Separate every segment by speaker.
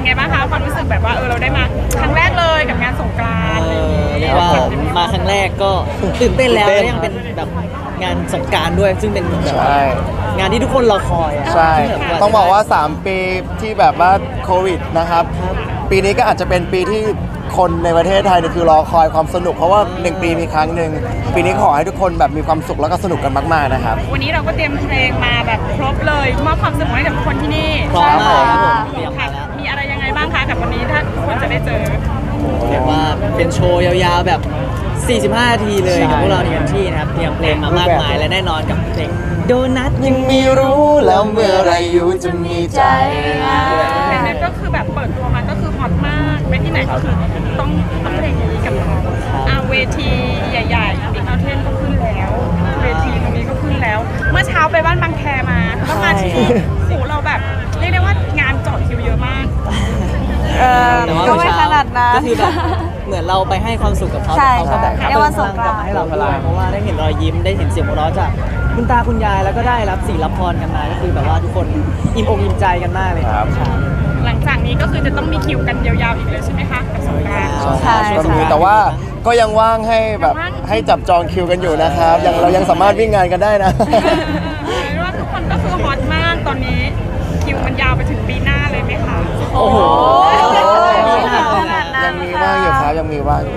Speaker 1: ไงบ้างคะความรู้สึกแบบว่าเราได้มาครั้งแรกเลยกับงานสงกรานต์อะไรอย่างงี้
Speaker 2: เรียกว่ามาครั้งแรกก็ตื่นเต้นแล้วและยังเป็นแบบงานสงกรานต์ด้วยซึ่งเป็นแบบ
Speaker 3: ใช่
Speaker 2: งานที่ทุกคนรอคอยอะ
Speaker 3: ใช่
Speaker 2: ที่แบบ
Speaker 3: ต้องบอกว่า 3 ปีที่แบบว่าโควิดนะครับ ปีนี้ก็อาจจะเป็นปีที่คนในประเทศไทยเนี่ยคือรอคอยความสนุกเพราะว่า 1 ปีมีครั้งหนึ่งปีนี้ขอให้ทุกคนแบบมีความสุขแล้วก็สนุกกันมากๆนะครับ
Speaker 1: วันนี้เราก็เตรียมเพลงมาแบบครบเลยมอบความสนุกให้กับทุกคนที่นี่
Speaker 2: พร้อมมากครับผมเตรียม
Speaker 1: ค่ะ
Speaker 2: มาแล้ว
Speaker 1: มีอะไรยังไงบ้างคะกับวันนี้ถ้าทุกคนจะได้เจอ
Speaker 2: เรียกว่าเป็นโชว์ยาวๆแบบ 45 นาทีเลยกับพวกเราในกันที่นะครับเตรียมเพลงมามากมายและแน่นอนกับเพลงโดนัท
Speaker 3: ยังไม่รู้แล้วเมื่อไรอยู่จะมีใจ
Speaker 1: เพลงนั้นก็คือแบบเปิดตัวมาก็คือฮอตมากไปที่ไหนก็คือต้องเพลงนี้กับเราเวทีใหญ่ๆบิ๊กเอาเทนก็ขึ้นแล้ว เวทีตรงนี้ก็ขึ้นแล้ว เมื่อเช้าไปบ้านบางแคมาก็มาที่นี่โอ้โหเราแบบเรียกได้ว่างานจอดคิวเยอะมาก
Speaker 2: แต่ว่า
Speaker 4: ก็ไม่ขนาดนั้น
Speaker 2: ก็คือแบบเหมือนเราไปให้ความสุขกับเขา
Speaker 4: ใช่
Speaker 2: แต่เขาก็แบบ
Speaker 4: ในวันสงกรานต์
Speaker 2: กลับมาให้เราด้วยเพราะว่าได้เห็นรอยยิ้มได้เห็นเสียงหัวเราะจากคุณตาคุณยายแล้วก็ได้รับสิ่งรับพรกันมาก็คือแบบว่าทุกคนอิ่มอกอิ่มใจกันมากเลย
Speaker 3: ครับ
Speaker 2: ใช่
Speaker 1: หลังจากนี้ก็คือจะต้องมีคิวกันยาวๆอีกเลยใช่ไหมคะกับสงกรานต์
Speaker 4: ใช่
Speaker 3: ก็มีแต่ว่าก็ยังว่างให้แบบให้จับจองคิวกันอยู่นะครับเรายังสามารถวิ่งงานกันได้นะ
Speaker 1: เรียกว่าทุกคนก็คือฮอตมากตอนนี้คิวมันยาวไปถึงปีหน้าเลยไหมคะ
Speaker 2: โอ้โห
Speaker 4: ขนาดนั้น
Speaker 3: ยังมีว่างอยู่ครับยังมีว่างอยู่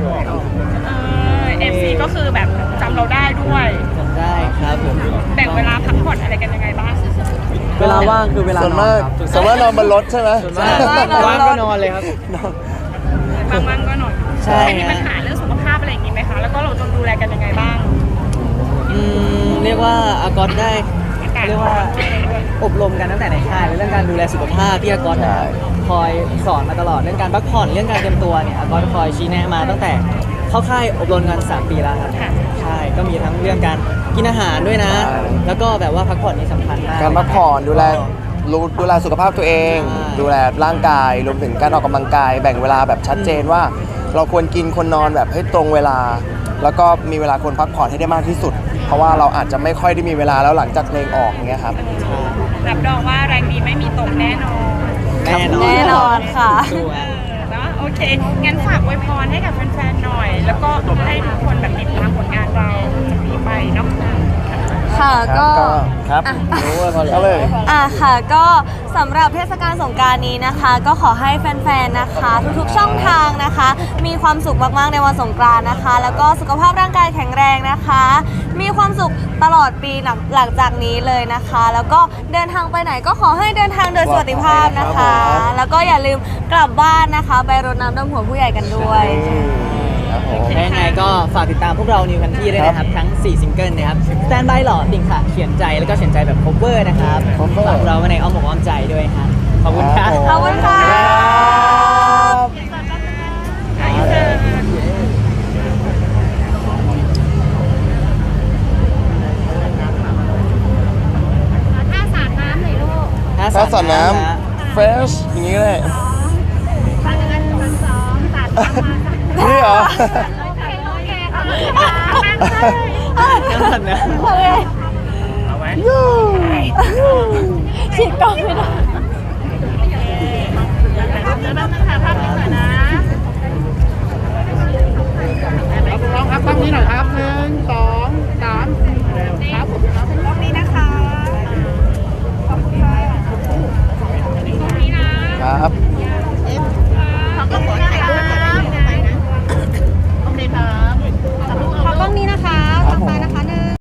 Speaker 1: FC ก็คือแบบจำเราได้ด้วย
Speaker 2: ได้ครับผม
Speaker 1: แบ่งเวลาพักผ่อนอะไรกันยังไงบ้าง
Speaker 2: เวลาว่างคือเวลา
Speaker 3: ส่วน
Speaker 2: นอ
Speaker 3: มาน ก
Speaker 2: ครับ
Speaker 3: ส่วนมากนอนบนรถใช่ไหม
Speaker 2: ส่วนมากว่างก็นอนเลยครับ
Speaker 1: บางๆก็หน่อย
Speaker 2: ใช่
Speaker 1: ใครมีปัญหาเรื่องสุขภาพอะไรอย่างนี้ไหมคะ แล้วก็เราต้องดูแลกันยังไงบ้าง
Speaker 2: เรียกว่าอากอตได้เรียกว่าอบรมกันตั้งแต่ในค่ายเรื่องการดูแลสุขภาพที่อากอตคอยสอนมาตลอดเรื่องการพักผ่อนเรื่องการเตรียมตัวเนี่ยอากอตคอยชี้แนะมาตั้งแต่เข้าค่ายอบรมกัน3 ปีแล้วครับใช่ก็มีทั้งเรื่องการกินอาหารด้วยนะ แล้วก็แบบว่าพักผ่อนนี่สำคัญมาก
Speaker 3: การพักผ่อนดูแลสุขภาพตัวเอง ดูแลร่างกายรวมถึงการออกกำลังกาย แบ่งเวลาแบบชัดเจนว่า เราควรกินควรนอนแบบให้ตรงเวลา แล้วก็มีเวลาควรพักผ่อนให้ได้มากที่สุด เพราะว่าเราอาจจะไม่ค่อยได้มีเวลาแล้วหลังจากเพลงออกอย่างเงี้ยครับ
Speaker 1: รับรองว่าแรงดีไม่มีตกแน่นอน
Speaker 2: แน่นอน
Speaker 4: แน่นอนค่ะ
Speaker 2: สู้
Speaker 1: เอ
Speaker 2: อะ
Speaker 1: อเนาะโอเค งั้นฝากอวยพรให้กับแฟนๆหน่อย แล้วก็ให้ทุกคนแบบติดตามผลงานเราจากนี้ไปเนาะ
Speaker 4: ค่ะก็
Speaker 3: ครับรู้ว่าพอแล้วเลย
Speaker 4: ค่ะก็สำหรับเทศกาลสงกรานต์นี้นะคะ ก็ขอให้แฟนๆนะคะ ทุกๆช่องทางนะคะ มีความสุขมากๆในวันสงกรานต์นะคะ แล้วก็สุขภาพร่างกายแข็งแรงนะคะ มีความสุขตลอดปีหลังจากนี้เลยนะคะ แล้วก็เดินทางไปไหนก็ขอให้เดินทางโดยสวัสดิภาพนะคะ แล้วก็อย่าลืมกลับบ้านนะคะไปรดน้ำดำหัวผู้ใหญ่กันด้วย
Speaker 3: ครับผม
Speaker 2: และยังไงก็ฝากติดตามพวกเรานิวคันที่ด้วยนะครับ ทั้ง 4 ซิงเกิลนะครับ Stand by หล่อติ่งค่ะ เขียนใจแล้วก็เขียนใจแบบ cover นะครับ
Speaker 3: cover
Speaker 2: ฝากเราไว้ในอ้อมอกอ้อมใจด้วยครับขอบคุณครับ
Speaker 4: ขอบคุณค่ะ
Speaker 1: ถ้าสาดน้ำหน่อยลูก
Speaker 3: ถ้าสาดน้ำเฟสอย่างนี้เลย
Speaker 1: สาดกัน1 2 สาดน้ำมา
Speaker 3: นี่เหรอ
Speaker 1: โอเคโอเคค่ะ
Speaker 2: น้ำสันนะ
Speaker 4: ฉีดกล้องไม่ได้
Speaker 1: เดี๋ยวเราจะถ่ายภาพนี้ก่อนนะน้องครับตั้งนี้หน่อยครับ1 2 3